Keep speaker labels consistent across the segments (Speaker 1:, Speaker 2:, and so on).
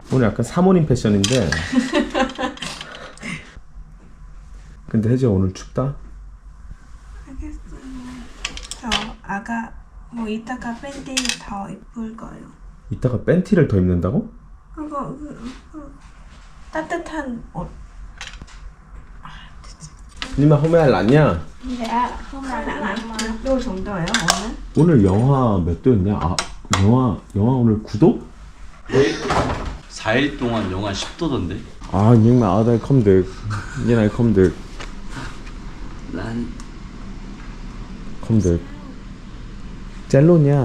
Speaker 1: 오늘 약간 사모님 패션인데. 근데 혜지야 오늘 춥다?
Speaker 2: 알겠어요. 저 아가 뭐 이따가 밴드 더 입을 거예요.
Speaker 1: 이따가 팬티를 더 입는다고?
Speaker 2: 그거 따뜻한 옷.
Speaker 1: 니마 hôm nay 낫냐?
Speaker 2: Dạ, hôm nay là 몇 도 정도예요 오늘?
Speaker 1: 오늘 영하 몇 도였냐? 아 영하 오늘 9도?
Speaker 3: 4일 동안 영하 10도던데.
Speaker 1: À nhưng mà ở đây không được. Như này không được.
Speaker 3: 난
Speaker 1: Không được. Chán luôn nha.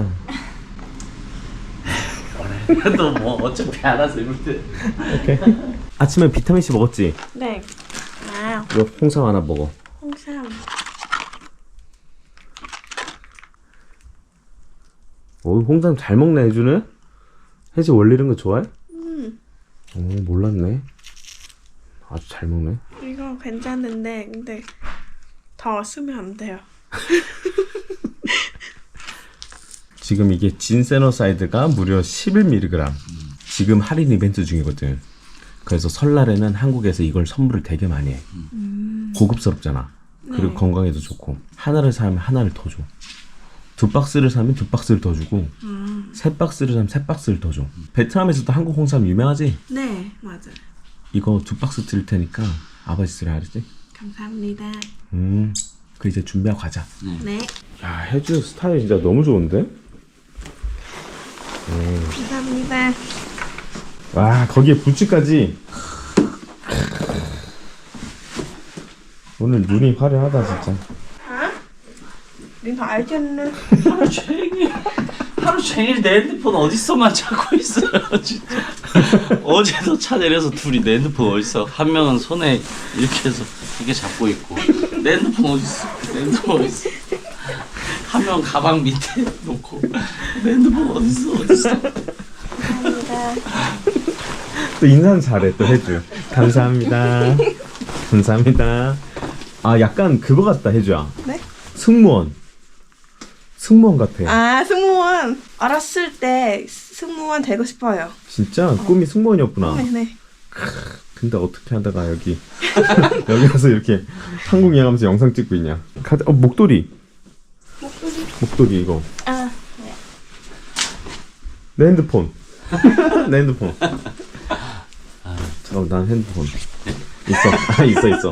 Speaker 3: 또 뭐 어차피 알아서 입을 때.
Speaker 1: 오케이. 아침에 비타민C 먹었지?
Speaker 2: 네. 아,
Speaker 1: 이거 홍삼 하나 먹어.
Speaker 2: 홍삼.
Speaker 1: 오 홍삼 잘 먹네 혜주는? 혜지 원래 이런 거 좋아해? 오 몰랐네. 아주 잘 먹네.
Speaker 2: 이거 괜찮은데 근데 더 쓰면 안 돼요.
Speaker 1: 지금 이게 진세노사이드가 무려 11mg. 지금 할인 이벤트 중이거든. 그래서 설날에는 한국에서 이걸 선물을 되게 많이 해. 고급스럽잖아. 그리고 건강에도 좋고. 하나를 사면 하나를 더 줘. 2박스를 사면 2박스를 더 주고 3박스를 사면 3박스를 더 줘. 베트남에서도 한국 홍삼 유명하지?
Speaker 2: 네, 맞아요.
Speaker 1: 이거 2박스 드릴 테니까 아버지 쓰라 그랬지?
Speaker 2: 감사합니다.
Speaker 1: 그 이제 준비하고 가자.
Speaker 2: 네.
Speaker 1: 야 혜주 스타일 진짜 너무 좋은데?
Speaker 2: 감사합니다.
Speaker 1: 와 거기에 부츠까지. 오늘 눈이 화려하다 진짜.
Speaker 2: điện thoại trên
Speaker 3: 하루 종일 내 핸드폰 어디서만 찾고 있어요 진짜. 어제도 차 내려서 둘이 내 핸드폰 어딨어. 한 명은 손에 이렇게 해서 이렇게 잡고 있고 내 핸드폰 어딨어. 내 핸드폰 어딨어. 한 명 가방 밑에 놓고 내 핸드폰 어딨어.
Speaker 1: 또 인사는 잘해 또 혜주. 감사합니다. 감사합니다. 아 약간 그거 같다 혜주야.
Speaker 2: 네?
Speaker 1: 승무원 같아.
Speaker 2: 아, 승무원. 어렸을 때 승무원 되고 싶어요.
Speaker 1: 진짜 꿈이 승무원이었구나.
Speaker 2: 네.
Speaker 1: 근데 어떻게 하다가 여기 와서 이렇게 한국 여행하면서 영상 찍고 있냐. 목도리. 목도리 이거.
Speaker 2: 아,
Speaker 1: 내 핸드폰. 내 핸드폰. 잠깐만 난 핸드폰 있어.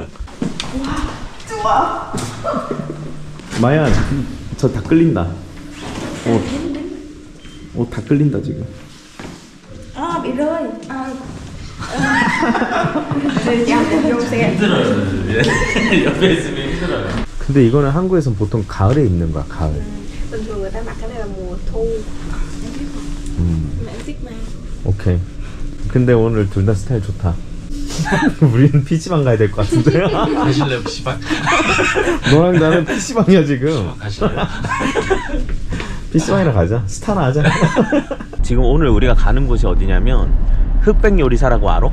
Speaker 2: 좋아.
Speaker 1: 마야 저 다 끌린다. 옷 다 끌린다 지금.
Speaker 2: 아, bị rơi. 아.
Speaker 3: 힘들어요. 옆에 있으면 힘들어요.
Speaker 1: 근데 이거는 한국에선 보통 가을에 입는 거야 가을.
Speaker 2: Bình thường người ta mặc cái này là mùa thu. Mà em thích mà.
Speaker 1: 오케이. 근데 오늘 둘 다 스타일 좋다. 우리는 PC방 가야 될 것 같은데.
Speaker 3: 가실래요 PC방?
Speaker 1: 너랑 나는 PC방이야 지금.
Speaker 3: 가실래요?
Speaker 1: PC방이나 가자. 스타나 하자. 지금 오늘 우리가 가는 곳이 어디냐면 흑백 요리사라고 알아?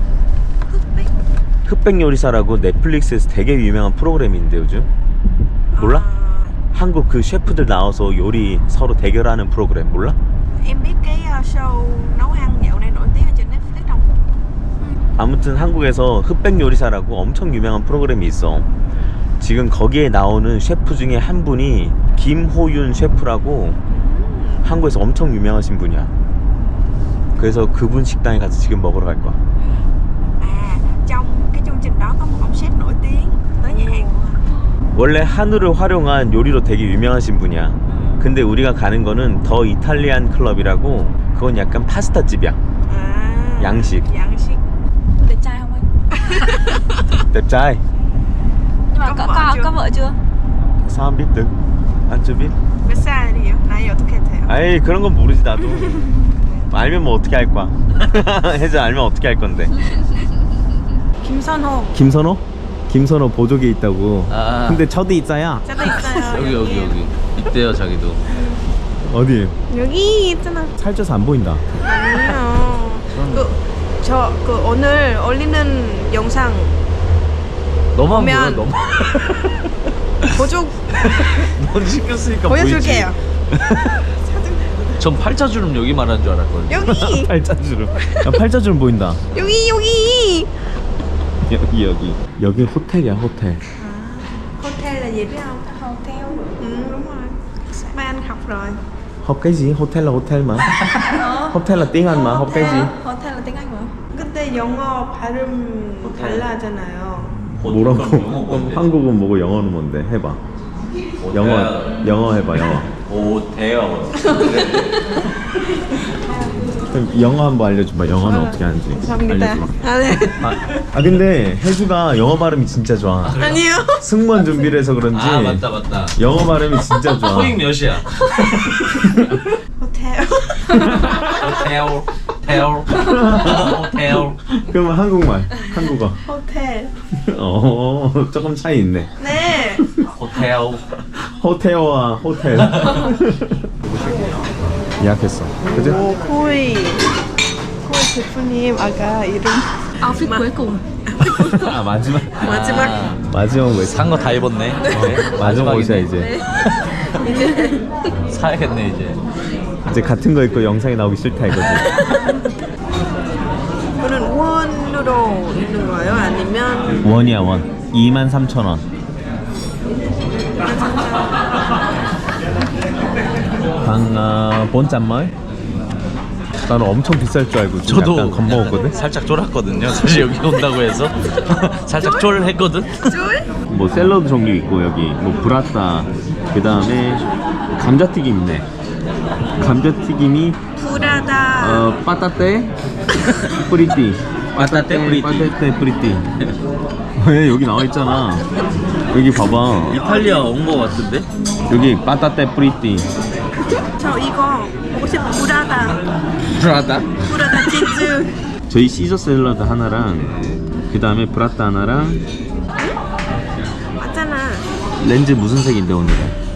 Speaker 1: 흑백 요리사라고 넷플릭스에서 되게 유명한 프로그램인데 요즘 몰라? 한국 그 셰프들 나와서 요리 서로 대결하는 프로그램 몰라?
Speaker 2: Em biết cái show nấu ăn dạo này nổi tiếng ở trên Netflix không?
Speaker 1: 아무튼 한국에서 흑백 요리사라고 엄청 유명한 프로그램이 있어. 지금 거기에 나오는 셰프 중에 한 분이 김호윤 셰프라고 한국에서 엄청 유명하신 분이야. 그래서 그분 식당에 가서 지금 먹으러 갈 거야.
Speaker 2: À, trong cái chương trình đó có một ông sếp nổi tiếng tới nhà hàng của anh.
Speaker 1: 원래 한우를 활용한 요리로 되게 유명하신 분이야. 근데 우리가 가는 거는 더 이탈리안 클럽이라고 그건 약간 파스타 집이야.
Speaker 2: À,
Speaker 1: 양식.
Speaker 2: 양식.
Speaker 4: Đẹp trai không anh?
Speaker 1: đẹp trai.
Speaker 4: Nhưng mà có vợ chưa?
Speaker 1: sao biết được? anh chưa biết.
Speaker 2: 몇 살이에요? 나이 어떻게 돼요?
Speaker 1: 아이 그런 건 모르지 나도. 알면 뭐 어떻게 할 거야. 혜자 알면 어떻게 할 건데.
Speaker 2: 김선호.
Speaker 1: 김선호? 김선호 보조개 있다고.
Speaker 3: 아.
Speaker 1: 근데 저도 있어요.
Speaker 2: 저도 있어요.
Speaker 3: 여기 있대요 자기도.
Speaker 1: 어디?
Speaker 2: 여기 있잖아.
Speaker 1: 살쪄서 안 보인다.
Speaker 2: 아니요. 그 오늘 올리는 영상
Speaker 3: 너만
Speaker 2: 보면-
Speaker 3: 보여 너만.
Speaker 2: 보조
Speaker 3: 넌 시켰으니까
Speaker 2: 보여줄게요.
Speaker 3: 보이지. 전 팔자주름 여기 말하는 줄 알았거든요.
Speaker 2: 여기
Speaker 1: 팔자주름. 야, 팔자주름 보인다.
Speaker 2: 여기
Speaker 1: 여기 호텔이야 호텔.
Speaker 2: hotel là gì biết không?
Speaker 4: Hotel.
Speaker 2: Đúng rồi. Ba anh học rồi.
Speaker 1: Học cái gì? Hotel là hotel mà. Hotel là tiếng Anh mà. Học cái gì?
Speaker 4: Hotel là tiếng Anh mà.
Speaker 2: 근데 영어 발음 달라하잖아요.
Speaker 1: 뭐라고? 그럼 한국은 뭐고 영어는 뭔데? 해봐. 영어 해봐 영어.
Speaker 3: 호텔.
Speaker 1: 그럼 영어 한번 알려줘봐. 영어는 어떻게 하는지.
Speaker 2: 감사합니다.
Speaker 1: 알려줘봐.
Speaker 2: 아, 네.
Speaker 1: 아 근데 혜주가 영어 발음이 진짜 좋아.
Speaker 2: 아니요.
Speaker 1: 승무원 준비를 해서 그런지
Speaker 3: 아 맞다.
Speaker 1: 영어 발음이 진짜 좋아.
Speaker 3: 토익 몇이야?
Speaker 2: 호텔.
Speaker 3: 호텔.
Speaker 1: 그러면 한국말, 한국어.
Speaker 2: 호텔.
Speaker 1: 조금 차이 있네.
Speaker 2: 네.
Speaker 3: 호텔.
Speaker 1: 호텔와 호텔. 예약했어. 그지?
Speaker 2: 오, 코이 대표님 아까 이름
Speaker 4: Outfit cuối cùng.
Speaker 1: 아 마지막. 마지막 왜?
Speaker 3: 산 거 다 입었네.
Speaker 1: 마지막 옷이야 이제.
Speaker 3: 사야겠네 이제.
Speaker 1: 이제 같은 거 입고 영상에 나오기 싫다 이거지.
Speaker 2: 이거는 원으로 있는 거예요? 아니면
Speaker 1: 원이야 원. 23,000원. 방 본짠말? 나는 엄청 비쌀 줄 알고 좀 약간 겁먹었거든.
Speaker 3: 살짝 쫄았거든요. 사실 여기 온다고 해서 살짝 쫄했거든.
Speaker 1: 뭐 샐러드 종류 있고 여기 뭐 브라타, 그 다음에 감자튀김 있네. 감자튀김이
Speaker 2: 브라다
Speaker 1: 빠따떼 프리띠.
Speaker 3: 빠따떼 프리띠.
Speaker 1: 빠따떼 프리띠. 왜 여기 나와 있잖아. 여기 봐봐.
Speaker 3: 이탈리아 온 거 같은데?
Speaker 1: 여기 빠따떼 프리띠.
Speaker 2: 저 이거 먹고 싶어 브라다
Speaker 3: 브라다?
Speaker 2: 브라다 치즈
Speaker 1: 저희 시저 샐러드 하나랑 그 다음에 브라타 하나랑.
Speaker 2: 맞잖아
Speaker 1: 렌즈 무슨 색인데 오늘은?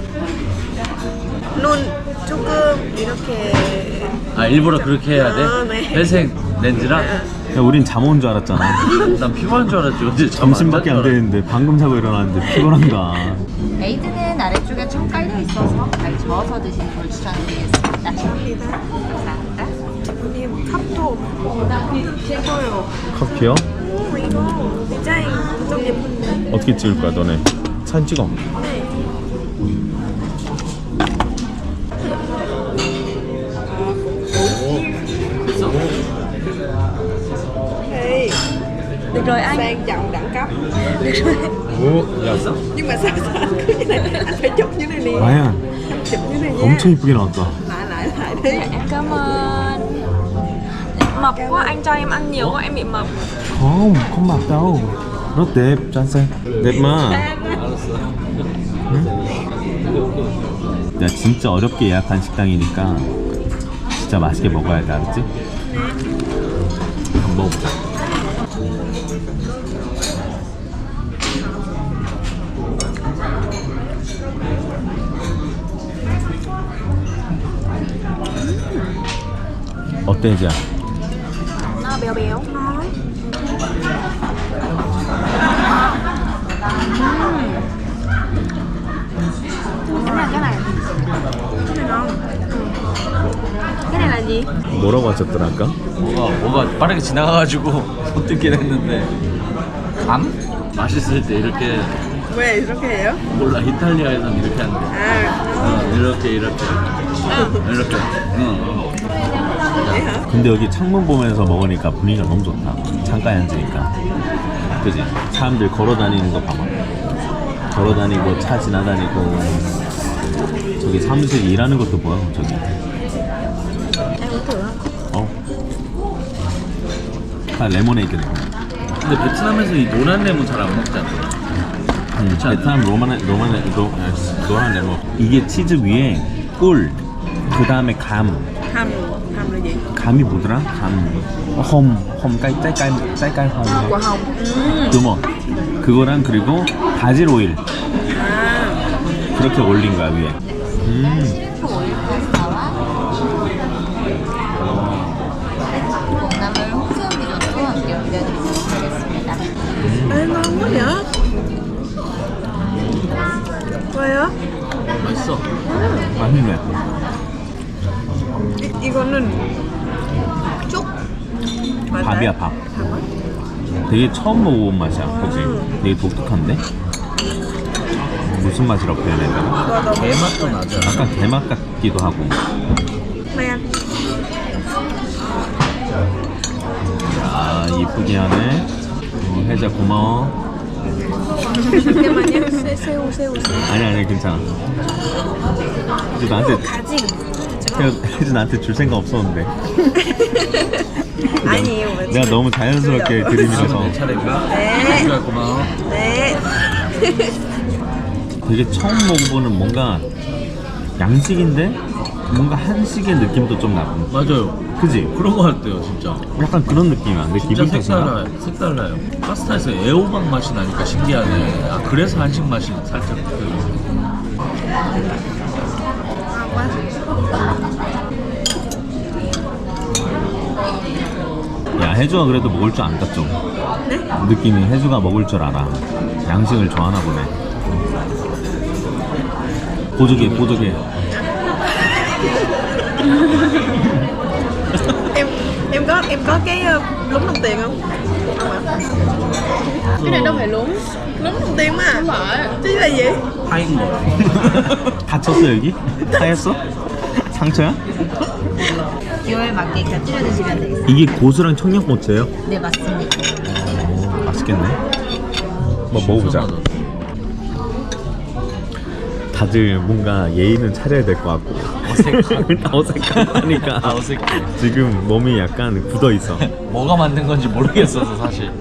Speaker 2: 눈 조금 이렇게
Speaker 3: 아 일부러 그렇게 해야 돼?
Speaker 2: 아, 네.
Speaker 3: 회색 렌즈랑?
Speaker 1: 야 우린 잠 온 줄 알았잖아.
Speaker 3: 난 피곤한 줄 알았지. 어제
Speaker 1: 점심밖에 안 되는데 방금 자고 일어났는데 피곤한가.
Speaker 5: 에이드는 아래쪽에 청 깔려 있어서 잘 저어서 드시는 걸 추천드리겠습니다.
Speaker 2: 감사합니다
Speaker 5: 감사합니다.
Speaker 2: 대표님 컵도 예뻐요
Speaker 1: 커피요?
Speaker 2: 오 이거 디자인 좀 예쁜데
Speaker 1: 어떻게 찍을 거야 너네? 사진 찍어.
Speaker 2: 네 Hey,
Speaker 4: Được rồi anh.
Speaker 2: sang trọng đẳng cấp
Speaker 1: 야,
Speaker 2: nhưng mà sao sao anh cứ như này anh phải chụp như này nè
Speaker 1: 마야
Speaker 2: chụp như này nha
Speaker 1: 엄청 이쁘게 나왔다.
Speaker 2: lại đi
Speaker 4: Em cảm ơn. Mập quá, anh cho em ăn nhiều quá, em bị mập.
Speaker 1: không mặc đâu. Nó đẹp, 짠색. đẹp mà. 야 진짜 어렵게 예약한 식당이니까 진짜 맛있게 먹어야 돼, 알았지? 한번 먹어보자. 어때 이제?
Speaker 4: Nó béo béo. Cái này
Speaker 2: cái này ngon cái này là gì
Speaker 1: 뭐라고 하셨더라 아까?
Speaker 3: 뭐가 빠르게 지나가가지고 못 듣긴 했는데 감? 맛있을 때 이렇게
Speaker 2: 왜 이렇게 해요
Speaker 3: 몰라 이탈리아에선 이렇게 한대.
Speaker 2: 아
Speaker 3: 이렇게
Speaker 2: vậy hả
Speaker 1: 근데 여기 창문 보면서 먹으니까 분위기가 너무 좋다. 창가에 앉으니까. 그지? 사람들 걸어 다니는 거 봐봐. 걸어 다니고 차 지나다니고. 저기 사무실 일하는 것도 보여 저기. 어? 다 레모네이드네.
Speaker 3: 근데 베트남에서 이 노란 레몬 잘 안 먹잖아.
Speaker 1: 베트남 노란 레몬. 이게 치즈 위에 꿀, 그 다음에 감
Speaker 2: hầm là gì
Speaker 1: 감이 뭐더라? 홈 깔깔 홈.
Speaker 4: Quả hồng.
Speaker 1: 두머. 그거랑 그리고 바질 오일 그렇게 올린 거야 위에.
Speaker 5: 콩나물 홍수음 리조또 함께 올려드리도록 하겠습니다.
Speaker 2: ê ngon quá vậy 왜요
Speaker 3: 맛있어.
Speaker 1: 맛있네.
Speaker 2: 이거는 쭉 맞아요?
Speaker 1: 밥이야 밥. 되게 처음 먹어본 맛이야, 그지? 되게 독특한데? 무슨 맛이라고 표현해야 되나?
Speaker 2: 이거 너무
Speaker 3: 개맛도 나죠.
Speaker 1: 약간 게맛 같기도 하고.
Speaker 2: 네.
Speaker 1: 야, 이쁘게 하네. 혜자 고마워.
Speaker 2: 잠깐만요. 새우.
Speaker 1: 아니 괜찮아. 이제 나한테 혜자 나한테 줄 생각 없었는데.
Speaker 2: 아니에요.
Speaker 1: 내가 너무 자연스럽게 들이밀어서.
Speaker 3: 차례인가?
Speaker 2: 네.
Speaker 3: 주야 고마워.
Speaker 2: 네.
Speaker 1: 되게 처음 먹어보는 뭔가 양식인데 뭔가 한식의 느낌도 좀 나고.
Speaker 3: 맞아요.
Speaker 1: 그지?
Speaker 3: 그런 거 같아요, 진짜.
Speaker 1: 약간 그런 느낌이야. 내
Speaker 3: 진짜
Speaker 1: 기분 탓인가?
Speaker 3: 색달라요. 파스타에서 애호박 맛이 나니까 신기하네. 아, 그래서 한식 맛이 살짝
Speaker 1: 야, 혜주가 그래도 먹을 줄 안다 좀.
Speaker 2: 네?
Speaker 1: 느낌이 혜주가 먹을 줄 알아. 양식을 좋아하나 보네. 보조개.
Speaker 2: em có cái lúng đồng tiền không?
Speaker 4: Cái này đâu phải lúng.
Speaker 2: Lúng đồng tiền mà.
Speaker 4: Không phải.
Speaker 2: Chứ là gì?
Speaker 3: 파인 거.
Speaker 1: 다쳤어 여기? 하였어? 상처야?
Speaker 5: 기호에 맞게 곁들여 드시면 되겠습니다.
Speaker 1: 이게 고수랑 청양고추예요?
Speaker 5: 네, 맞습니다.
Speaker 1: 오, 맛있겠네. 한번 먹어보자. 다들 뭔가 예의는 차려야 될 것 같고 어색하니까
Speaker 3: 어색해.
Speaker 1: 지금 몸이 약간 굳어 있어.
Speaker 3: 뭐가 만든 건지 모르겠어서 사실.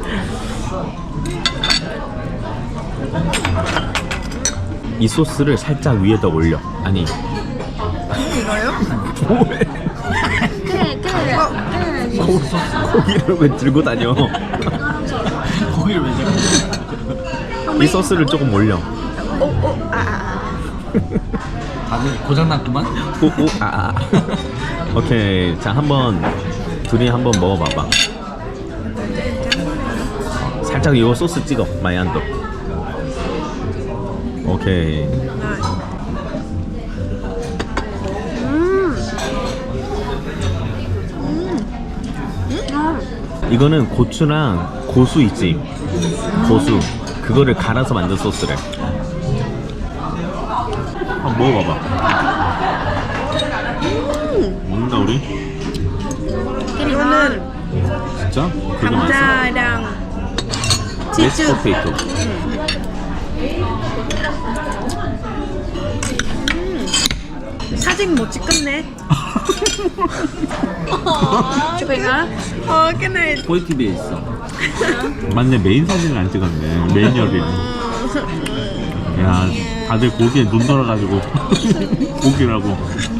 Speaker 1: 이 소스를 살짝 위에다 올려. 아니
Speaker 2: 이거요?
Speaker 1: 고기를 왜 들고 다녀?
Speaker 3: 고기를 왜 자꾸
Speaker 1: 이 소스를 조금 올려.
Speaker 3: 다들 고장났구만?
Speaker 1: 오케이, 자 한번 둘이 한번 먹어봐봐. 살짝 이거 소스 찍어. 마이안도. 오케이. 이거는 고추랑 고수 있지? 고수 그거를 갈아서 만든 소스래. 한번 먹어봐봐. 먹는다 우리?
Speaker 2: 이거는
Speaker 1: 진짜? 되게 맛있어.
Speaker 2: 감자랑 치즈.
Speaker 1: 메스 포테이토.
Speaker 2: 사진 못 찍겠네.
Speaker 4: Chụp hình á.
Speaker 2: cái này
Speaker 3: 포이티비에 있어.
Speaker 1: 맞네, 메인 사진을 안 찍었네. 메인 요리. 야, 다들 고기에 눈 돌아가지고 고기라고.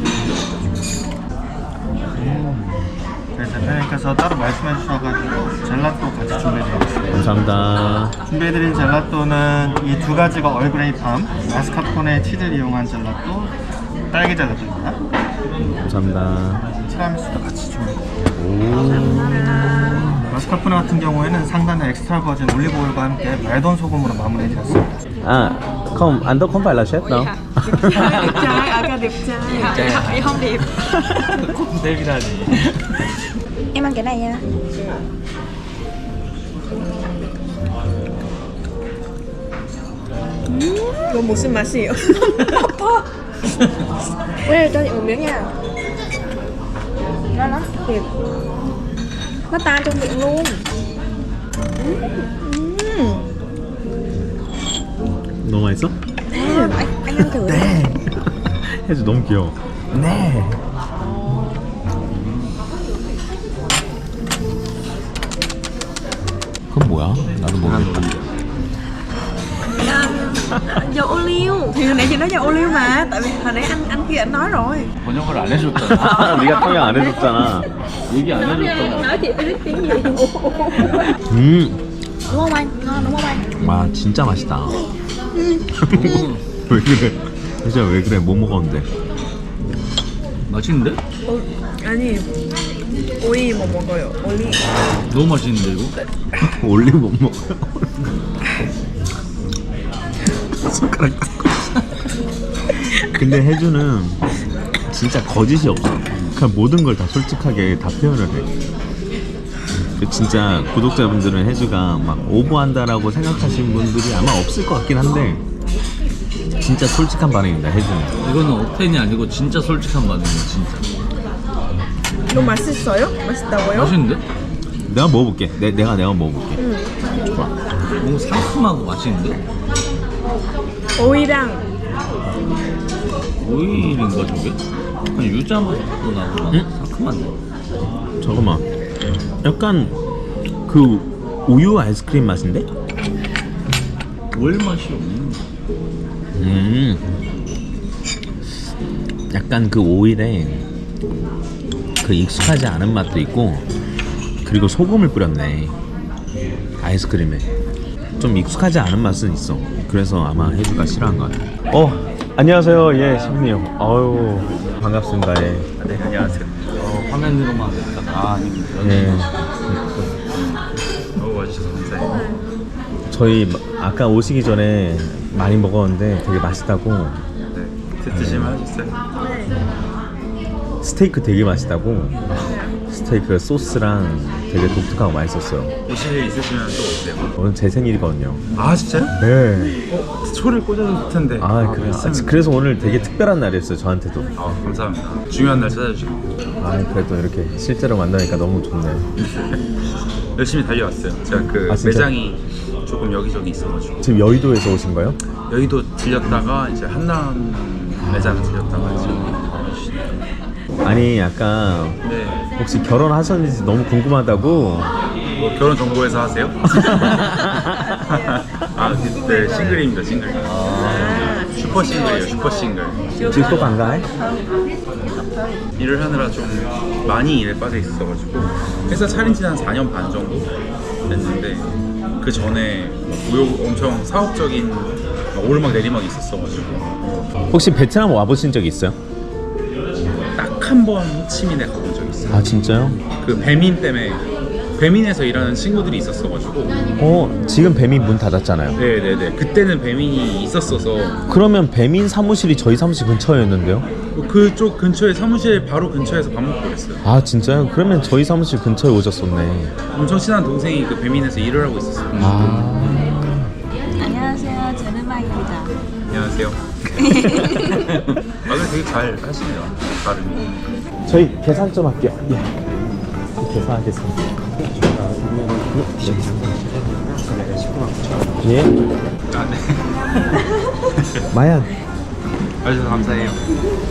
Speaker 6: 대표님께서 따로 말씀해 주셔가지고 젤라또 같이 준비해드렸습니다.
Speaker 1: 감사합니다.
Speaker 6: 준비해드린 젤라또는 이 두 가지가 얼그레이 팜, 마스카포네 치즈를 이용한 젤라또, 딸기 젤라또입니다.
Speaker 1: 감사합니다.
Speaker 6: 티라미수도 같이 준비해드렸습니다. 마스카포네 같은 경우에는 상단에 엑스트라 버진 올리브오일과 함께 말돈 소금으로 마무리해드렸습니다.
Speaker 1: À, không, anh Tốt không phải là chef đâu.
Speaker 2: đẹp trai, ở ca đẹp trai.
Speaker 4: Em không đẹp.
Speaker 3: 콩데비라니.
Speaker 4: Em ăn cái này nha.
Speaker 2: 이거 무슨 맛이에요?
Speaker 4: Ê, cho chị một miếng nha. Ngon lắm, thiệt. Nó tan trong miệng luôn.
Speaker 1: 너무 맛있어?
Speaker 4: Anh ăn thử.
Speaker 1: 혜주 너무 귀여워. 네. 그건 뭐야? 나도 모르겠다.
Speaker 2: Dầu ô liu. Thì hồi nãy chị nói dầu ô liu mà. Tại vì hồi nãy anh kia anh nói rồi.
Speaker 3: 번역을 안 해줬잖아.
Speaker 1: 네가 통역 안 해줬잖아.
Speaker 3: 얘기 안 해줬잖아.
Speaker 4: Nói chị biết tiếng gì. Đúng không anh? Ngon đúng không anh?
Speaker 1: 와 진짜 맛있다. 왜 그래? 진짜 왜 그래? 못 먹었는데.
Speaker 3: 맛있는데?
Speaker 2: 아니 오이 뭐 먹어요? 오이.
Speaker 3: 너무 맛있는데 이거?
Speaker 1: 올리브 못 먹어요. 손가락 닦고. 근데 혜주는 진짜 거짓이 없어. 생각할 모든 걸 다 솔직하게 다 표현을 해. 진짜 구독자분들은 혜주가 막 오버한다라고 생각하시는 분들이 아마 없을 것 같긴 한데 진짜 솔직한 반응입니다. 혜주는.
Speaker 3: 이거는 억텐이 아니고 진짜 솔직한 반응이에요. 진짜.
Speaker 2: 너무 맛있어요? 맛있다고요?
Speaker 3: 맛있는데?
Speaker 1: 내가 먹어볼게. 내가 먹어볼게. 좋아.
Speaker 3: 뭔가 상큼하고 맛있는데?
Speaker 2: 오이랑
Speaker 3: 오일인가 저게? 아니 유자 맛도 나고 막
Speaker 1: 응?
Speaker 3: 상큼한데?
Speaker 1: 잠깐만. 약간 그 우유 아이스크림 맛인데?
Speaker 3: 오일 맛이 없는
Speaker 1: 약간 그 오일에 그 익숙하지 않은 맛도 있고 그리고 소금을 뿌렸네 아이스크림에. 좀 익숙하지 않은 맛은 있어. 그래서 아마 혜주가 싫어한 것 같아. 안녕하세요. 예, 셰프님. 아유 반갑습니다. 예.
Speaker 6: 네, 안녕하세요.
Speaker 3: 화면으로만 했다가 아닙니다.
Speaker 1: 예.
Speaker 6: 와주셔서 감사해요.
Speaker 1: 저희 아까 오시기 전에 많이 먹었는데 되게 맛있다고.
Speaker 6: 네, 드시면 하셨어요?
Speaker 1: 스테이크 되게 맛있다고. 스테이크 소스랑 되게 독특하고 맛있었어요.
Speaker 6: 오실 일 있으시면 또 오세요.
Speaker 1: 오늘 제 생일이거든요.
Speaker 6: 아, 진짜요?
Speaker 1: 네.
Speaker 6: 초를 꽂아줄 텐데.
Speaker 1: 그래서 오늘 되게 특별한 날이었어요. 저한테도.
Speaker 6: 감사합니다. 중요한 날 찾아주시고
Speaker 1: 그래도 이렇게 실제로 만나니까 너무 좋네요.
Speaker 6: 열심히 달려왔어요. 제가 그
Speaker 1: 아, 진짜?
Speaker 6: 매장이 조금 여기저기 있어가지고
Speaker 1: 지금 여의도에서 오신 거예요?
Speaker 6: 여의도 들렸다가 이제 한남 매장을 들렸다가 지금
Speaker 1: 아니 약간
Speaker 6: 네.
Speaker 1: 혹시 결혼하셨는지 너무 궁금하다고.
Speaker 6: 뭐 결혼 정보회사 하세요? 네, 싱글입니다, 싱글. 슈퍼 싱글이에요, 슈퍼 싱글.
Speaker 1: 지금 또 반가해?
Speaker 6: 일을 하느라 좀 많이 일에 빠져 있어가지고 회사 차린 지는 한 4년 반 정도 됐는데 그 전에 엄청 사업적인 막 오르막 내리막이 있었어가지고
Speaker 1: 혹시 베트남 와보신 적 있어요?
Speaker 6: 딱 한 번 호치민에 가본 적 있어요.
Speaker 1: 아 진짜요?
Speaker 6: 그 배민 때문에 배민에서 일하는 친구들이 있었어가지고
Speaker 1: 지금 배민 문 닫았잖아요.
Speaker 6: 네네네 그때는 배민이 있었어서
Speaker 1: 그러면 배민 사무실이 저희 사무실 근처였는데요?
Speaker 6: 그쪽 근처에 사무실 바로 근처에서 밥 먹고 그랬어요.
Speaker 1: 아 진짜요? 그러면 저희 사무실 근처에 오셨었네.
Speaker 6: 엄청 친한 동생이 그 배민에서 일을 하고 있었어요.
Speaker 4: 안녕하세요. 제르마입니다.
Speaker 6: 안녕하세요. 근데 되게 잘 하시네요. 발음이.
Speaker 1: 저희 계산 좀 할게요. 예. 계산하겠습니다. 예.
Speaker 6: 아, 네.
Speaker 1: 마얀.
Speaker 6: 와주셔서 감사해요.